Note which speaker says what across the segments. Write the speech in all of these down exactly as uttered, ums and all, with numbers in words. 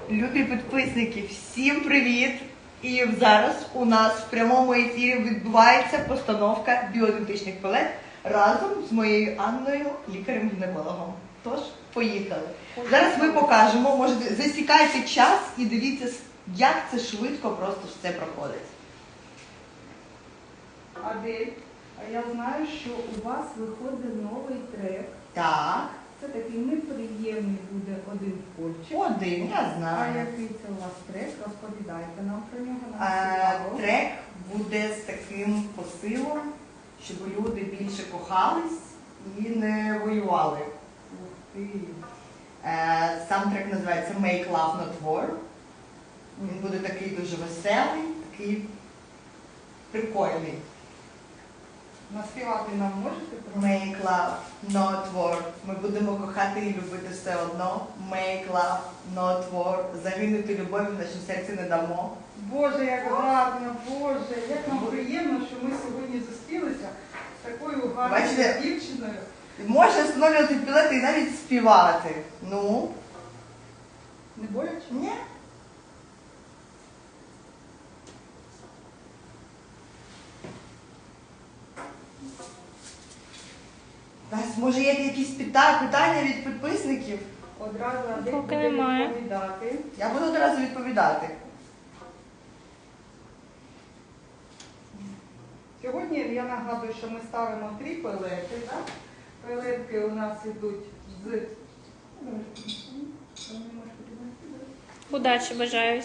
Speaker 1: Любі підписники, всім привіт! І зараз у нас в прямому ефірі відбувається постановка біоідентичних пелет разом з моєю Анною, лікарем-гінекологом. Тож, поїхали. Зараз ми покажемо, можете засікайте час і дивіться, як це швидко просто все проходить.
Speaker 2: Адель, а я знаю, що у вас виходить новий трек.
Speaker 1: Так.
Speaker 2: Це такий неприємний буде один польчик.
Speaker 1: Один, я
Speaker 2: А
Speaker 1: знаю.
Speaker 2: який це у вас трек? Розповідайте нам про нього. Нам
Speaker 1: Е,
Speaker 2: цікаво.
Speaker 1: Трек буде з таким посилом, щоб люди більше кохались і не воювали.
Speaker 2: Ух ти.
Speaker 1: Е, Сам трек називається Make Love Not War. Він буде такий дуже веселий, такий прикольний.
Speaker 2: Наспівати нам можете про
Speaker 1: Make Love Not War. Ми будемо кохати і любити все одно. Make Love Not War. Загинути любові в нашому серці не дамо.
Speaker 2: Боже, як гарно, Боже, як нам приємно, що ми сьогодні зустрілися з такою гарною
Speaker 1: Бачите?
Speaker 2: дівчиною.
Speaker 1: Можна встановлювати білети і навіть співати. Ну?
Speaker 2: Не боляче?
Speaker 1: Ні. У нас, може, є якісь пита- питання від підписників?
Speaker 2: Одразу Адель
Speaker 3: Поки
Speaker 2: буде
Speaker 3: немає.
Speaker 2: відповідати.
Speaker 1: Я буду одразу відповідати.
Speaker 2: Сьогодні я нагадую, що ми ставимо три пелети. Так? Пелетки у нас йдуть з...
Speaker 3: Удачі бажаю.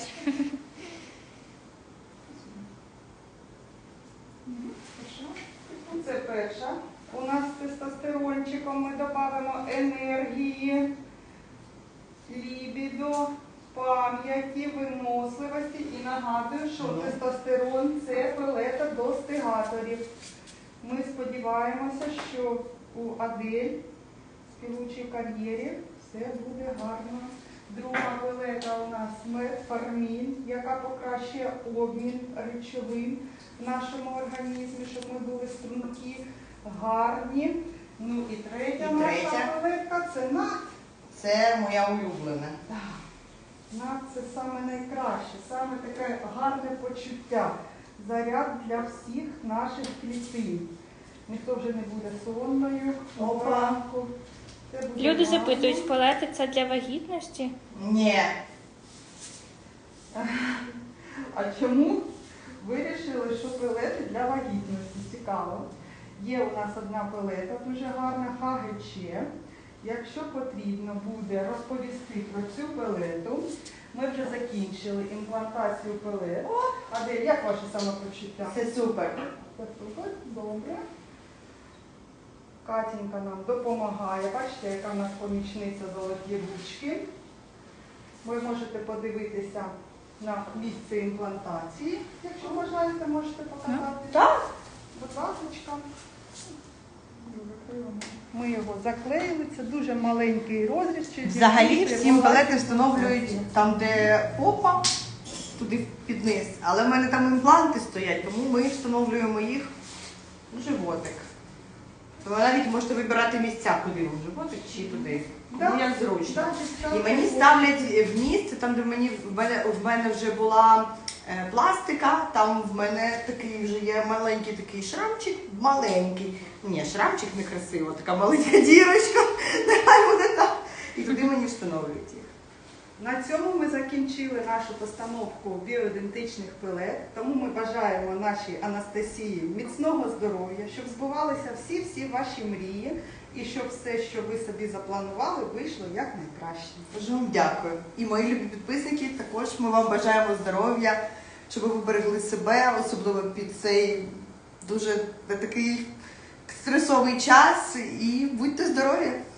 Speaker 2: Це перша. У нас з тестостерончиком ми додамо енергії, лібідо, пам'яті, виносливості. І нагадую, що тестостерон – це пелета достигаторів. Ми сподіваємося, що у Адель в співучій кар'єрі все буде гарно. Друга пелета у нас метформін, яка покращує обмін речовин в нашому організмі, щоб ми були стрункі, гарні. Ну і третя
Speaker 1: І
Speaker 2: наша
Speaker 1: третя.
Speaker 2: пелетка – це нат.
Speaker 1: Це моя улюблена.
Speaker 2: Нат – це саме найкраще, саме таке гарне почуття. Заряд для всіх наших клітин. Ніхто вже не буде сонною.
Speaker 1: Опа.
Speaker 2: вранку. Це буде
Speaker 3: Люди
Speaker 2: гарно.
Speaker 3: запитують, пелети це для вагітності?
Speaker 1: Ні.
Speaker 2: А чому вирішили, що пелети для вагітності? Цікаво. Є у нас одна пелета, дуже гарна, ха ге че. Якщо потрібно буде розповісти про цю пелету, ми вже закінчили імплантацію пелет. Адель, як ваше самопочуття?
Speaker 1: Це супер.
Speaker 2: Це супер, добре. Катенька нам допомагає. Бачите, яка в нас помічниця золоті ручки. Ви можете подивитися на місце імплантації. Якщо бажаєте, можете показати.
Speaker 1: Так?
Speaker 2: Будь ласка. Ми його заклеїли. Це дуже маленький розріз. Чи
Speaker 1: Взагалі
Speaker 2: дівчинки
Speaker 1: всім
Speaker 2: була
Speaker 1: пелети встановлюють там, де попа, туди під низ. Але в мене там імпланти стоять, тому ми встановлюємо їх в животик. То ви навіть можете вибирати місця, куди вам, в животик чи туди. Кому як зручно.
Speaker 2: Да, дівчатка,
Speaker 1: І мені ставлять в місце, там, де мені, в, мене, в мене вже була е, пластика, там в мене такий вже є маленький такий шрамчик, маленький. Ні, шрамчик некрасиво, така маленька дірочка, нехай буде там. І туди мені встановлюють їх.
Speaker 2: На цьому ми закінчили нашу постановку біоідентичних пелет. Тому ми бажаємо нашій Анастасії міцного здоров'я, щоб збувалися всі-всі ваші мрії і щоб все, що ви собі запланували, вийшло якнайкраще.
Speaker 1: Дуже вам дякую. І мої любі підписники, також ми вам бажаємо здоров'я, щоб ви берегли себе, особливо під цей дуже такий стресовий час. І будьте здорові!